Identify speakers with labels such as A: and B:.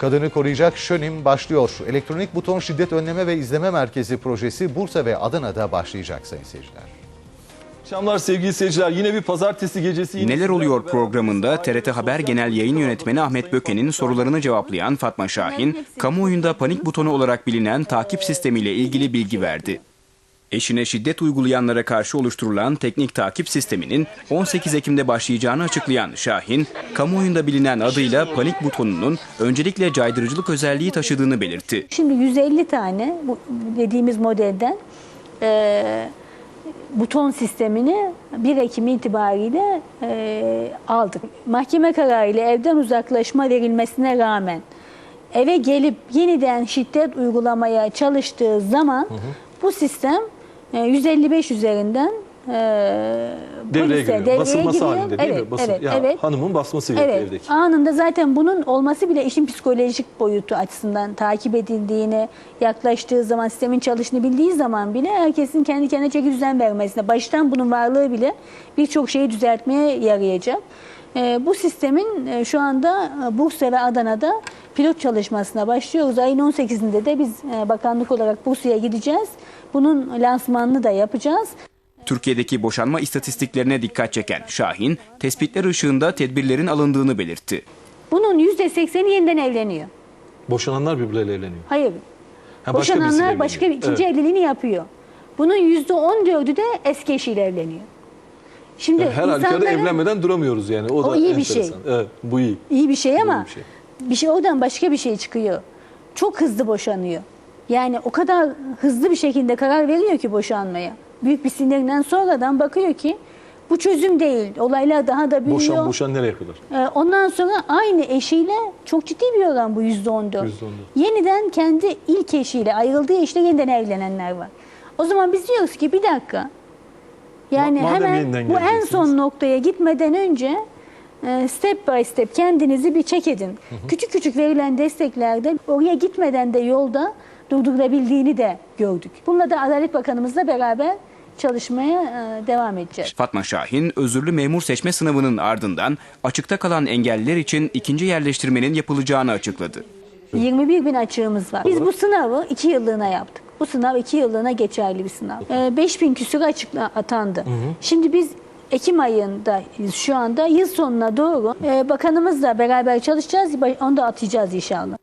A: Kadını koruyacak Şönim başlıyor. Elektronik buton şiddet önleme ve izleme merkezi projesi Bursa ve Adana'da başlayacak sayın seyirciler.
B: Akşamlar sevgili seyirciler, yine bir pazartesi gecesi.
C: Neler oluyor programında TRT Haber Genel Yayın Yönetmeni Ahmet Böke'nin sorularını cevaplayan Fatma Şahin, kamuoyunda panik butonu olarak bilinen takip sistemiyle ilgili bilgi verdi. Eşine şiddet uygulayanlara karşı oluşturulan teknik takip sisteminin 18 Ekim'de başlayacağını açıklayan Şahin, kamuoyunda bilinen adıyla panik butonunun öncelikle caydırıcılık özelliği taşıdığını belirtti.
D: Şimdi 150 tane bu dediğimiz modelden buton sistemini 1 Ekim itibariyle aldık. Mahkeme kararıyla evden uzaklaşma verilmesine rağmen eve gelip yeniden şiddet uygulamaya çalıştığı zaman bu sistem 155 üzerinden
B: devreye basılması
D: giriyor.
B: halinde değil mi?
D: Evet.
B: Hanımın basması gerekiyor evdeki.
D: Anında zaten bunun olması bile işin psikolojik boyutu açısından takip edildiğini, yaklaştığı zaman, sistemin çalıştığını bildiği zaman bile herkesin kendi kendine çeki düzen vermesine, baştan bunun varlığı bile birçok şeyi düzeltmeye yarayacak. Bu sistemin şu anda Bursa ve Adana'da pilot çalışmasına başlıyoruz. Ayın 18'inde de biz bakanlık olarak Bursa'ya gideceğiz. Bunun lansmanını da yapacağız.
C: Türkiye'deki boşanma istatistiklerine dikkat çeken Şahin, tespitler ışığında tedbirlerin alındığını belirtti.
D: Bunun %80'i yeniden evleniyor.
B: Boşananlar birbirleriyle evleniyor.
D: Hayır. Boşananlar başka bir ikinci evliliğini yapıyor. Bunun %14'ü de eski eşiyle evleniyor. Şimdi
B: her halükarda evlenmeden duramıyoruz yani. O da
D: iyi
B: enteresan.
D: bir şey.
B: Evet, bu iyi.
D: İyi bir şey ama
B: bir şey.
D: oradan başka bir şey çıkıyor. Çok hızlı boşanıyor. Yani o kadar hızlı bir şekilde karar veriyor ki boşanmaya. Büyük bir sinirinden sonradan bakıyor ki bu çözüm değil. Olaylar daha da büyüyor.
B: Boşan nereye kadar?
D: Ondan sonra aynı eşiyle çok ciddi bir oran bu %14. Yeniden kendi ilk eşiyle, ayrıldığı eşiyle yeniden evlenenler var. O zaman biz diyoruz ki bir dakika. Yani hemen bu en son noktaya gitmeden önce step by step kendinizi bir check edin. Küçük küçük verilen desteklerde oraya gitmeden de yolda durdurulabildiğini de gördük. Bununla da Adalet Bakanımızla beraber çalışmaya devam edeceğiz.
C: Fatma Şahin, özürlü memur seçme sınavının ardından açıkta kalan engelliler için ikinci yerleştirmenin yapılacağını açıkladı.
D: 21 bin açığımız var. Biz bu sınavı 2 yıllığına yaptık. Bu sınav 2 yıllığına geçerli bir sınav. 5 bin küsur açıkla atandı. Şimdi biz Ekim ayında şu anda yıl sonuna doğru bakanımızla beraber çalışacağız. Onu da atacağız inşallah.